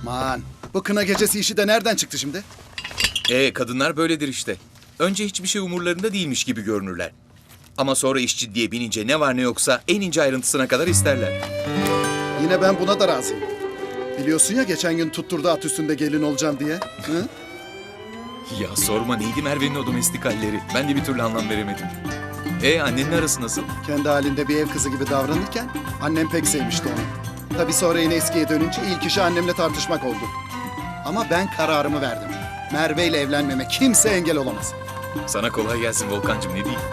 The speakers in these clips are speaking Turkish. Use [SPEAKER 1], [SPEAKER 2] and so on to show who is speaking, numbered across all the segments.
[SPEAKER 1] Man, bu kına gecesi işi de nereden çıktı şimdi?
[SPEAKER 2] Kadınlar böyledir işte. Önce hiçbir şey umurlarında değilmiş gibi görünürler. Ama sonra iş ciddiye binince ne var ne yoksa en ince ayrıntısına kadar isterler.
[SPEAKER 1] Yine ben buna da razıyım. Biliyorsun ya geçen gün tutturdu at üstünde gelin olacağım diye. Hı?
[SPEAKER 2] Ya sorma, neydi Merve'nin o domestik halleri? Ben de bir türlü anlam veremedim. Annenin arası nasıl?
[SPEAKER 1] Kendi halinde bir ev kızı gibi davranırken annem pek sevmişti onu. Tabii sonra yine eskiye dönünce ilk işi annemle tartışmak oldu. Ama ben kararımı verdim. Merve ile evlenmeme kimse engel olamaz.
[SPEAKER 2] Sana kolay gelsin Volkancığım, ne diyeyim?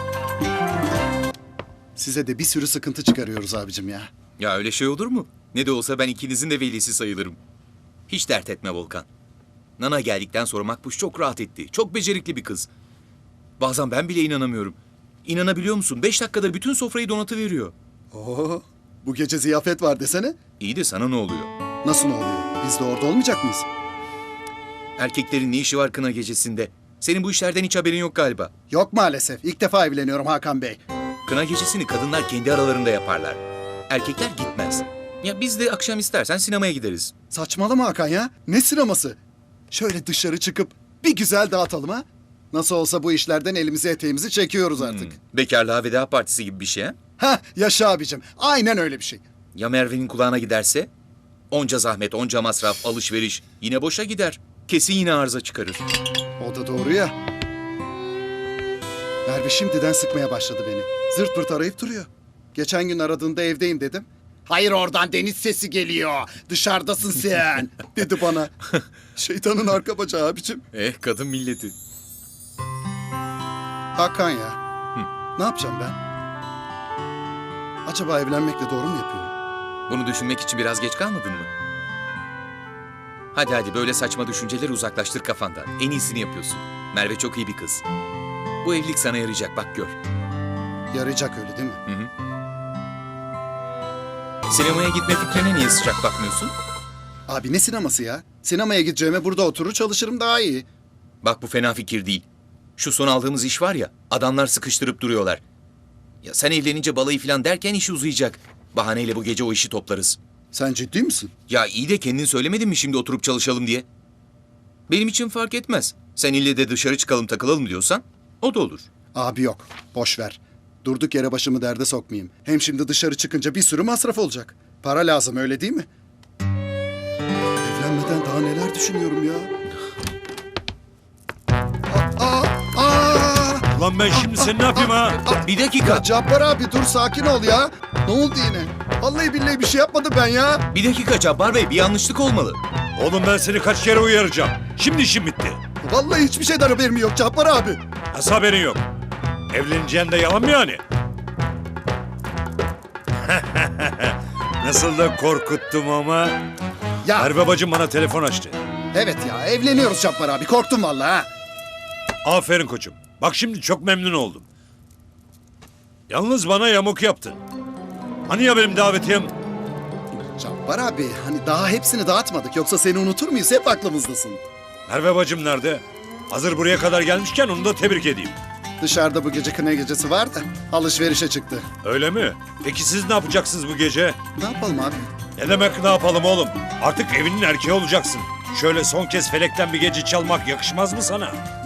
[SPEAKER 1] Size de bir sürü sıkıntı çıkarıyoruz abicim ya.
[SPEAKER 2] Ya öyle şey olur mu? Ne de olsa ben ikinizin de velisi sayılırım. Hiç dert etme Volkan. Nana geldikten sonra Makbuş çok rahat etti. Çok becerikli bir kız. Bazen ben bile inanamıyorum. İnanabiliyor musun? 5 dakikada bütün sofrayı donatıveriyor.
[SPEAKER 1] Oo, bu gece ziyafet var desene.
[SPEAKER 2] İyi de sana ne oluyor?
[SPEAKER 1] Nasıl ne oluyor? Biz de orada olmayacak mıyız?
[SPEAKER 2] Erkeklerin ne işi var kına gecesinde? Senin bu işlerden hiç haberin yok galiba.
[SPEAKER 1] Yok maalesef. İlk defa evleniyorum Hakan Bey.
[SPEAKER 2] Kına gecesini kadınlar kendi aralarında yaparlar. Erkekler gitmez. Ya biz de akşam istersen sinemaya gideriz.
[SPEAKER 1] Saçmalama Hakan ya. Ne sineması? Şöyle dışarı çıkıp bir güzel dağıtalım ha. Nasıl olsa bu işlerden elimizi eteğimizi çekiyoruz artık.
[SPEAKER 2] Bekarlığa veda partisi gibi bir şey ha?
[SPEAKER 1] Hah yaşa abicim. Aynen öyle bir şey.
[SPEAKER 2] Ya Merve'nin kulağına giderse? Onca zahmet, onca masraf, alışveriş yine boşa gider. Kesin yine arıza çıkarır.
[SPEAKER 1] O da doğru ya. Merve şimdiden sıkmaya başladı beni. Zırt pırt arayıp duruyor. Geçen gün aradığında evdeyim dedim. Hayır oradan deniz sesi geliyor. Dışarıdasın sen dedi bana. Şeytanın arka bacağı abicim.
[SPEAKER 2] Kadın milleti.
[SPEAKER 1] Hakan ya. Ne yapacağım ben? Acaba evlenmekle doğru mu yapıyorum?
[SPEAKER 2] Bunu düşünmek için biraz geç kalmadın mı? Hadi böyle saçma düşünceleri uzaklaştır kafandan. En iyisini yapıyorsun. Merve çok iyi bir kız. Bu evlilik sana yarayacak, bak gör.
[SPEAKER 1] Yarayacak öyle değil mi?
[SPEAKER 2] Hı hı. Sinemaya gitme fikrine niye sıcak bakmıyorsun?
[SPEAKER 1] Abi ne sineması ya? Sinemaya gideceğime burada oturur çalışırım daha iyi.
[SPEAKER 2] Bak bu fena fikir değil. Şu son aldığımız iş var ya, adamlar sıkıştırıp duruyorlar. Ya sen evlenince balayı falan derken iş uzayacak. Bahaneyle bu gece o işi toplarız.
[SPEAKER 1] Sen ciddi misin?
[SPEAKER 2] Ya iyi de kendin söylemedin mi şimdi oturup çalışalım diye? Benim için fark etmez. Sen ille de dışarı çıkalım takılalım diyorsan o da olur.
[SPEAKER 1] Abi yok. Boş ver. Durduk yere başımı derde sokmayayım. Hem şimdi dışarı çıkınca bir sürü masraf olacak. Para lazım öyle değil mi? Evlenmeden daha neler düşünüyorum ya.
[SPEAKER 3] Lan ben şimdi seni ne yapayım ha?
[SPEAKER 2] Bir dakika.
[SPEAKER 1] Ya Cabbar abi dur sakin ol ya. Ne oldu yine? Vallahi billahi bir şey yapmadım ben ya.
[SPEAKER 2] Bir dakika Cabbar Bey, bir yanlışlık olmalı.
[SPEAKER 3] Oğlum ben seni kaç kere uyaracağım. Şimdi işim bitti.
[SPEAKER 1] Vallahi hiçbir şeyden haberim yok Cabbar abi.
[SPEAKER 3] Nasıl haberin yok? Evleneceğin de yalan mı yani? Nasıl da korkuttum ama.
[SPEAKER 1] Ya
[SPEAKER 3] Merve bacım bana telefon açtı.
[SPEAKER 1] evet ya evleniyoruz Cabbar abi. Korktum vallahi ha.
[SPEAKER 3] Aferin koçum. Bak şimdi çok memnun oldum. Yalnız bana yamuk yaptın. Hani ya benim davetiyem?
[SPEAKER 1] Cabbar abi hani daha hepsini dağıtmadık. Yoksa seni unutur muyuz? Hep aklımızdasın.
[SPEAKER 3] Merve bacım nerede? Hazır buraya kadar gelmişken onu da tebrik edeyim.
[SPEAKER 1] Dışarıda bu gece kına gecesi var da alışverişe çıktı.
[SPEAKER 3] Öyle mi? Peki siz ne yapacaksınız bu gece?
[SPEAKER 1] Ne yapalım abi?
[SPEAKER 3] Ne demek ne yapalım oğlum? Artık evinin erkeği olacaksın. Şöyle son kez felekten bir gece çalmak yakışmaz mı sana?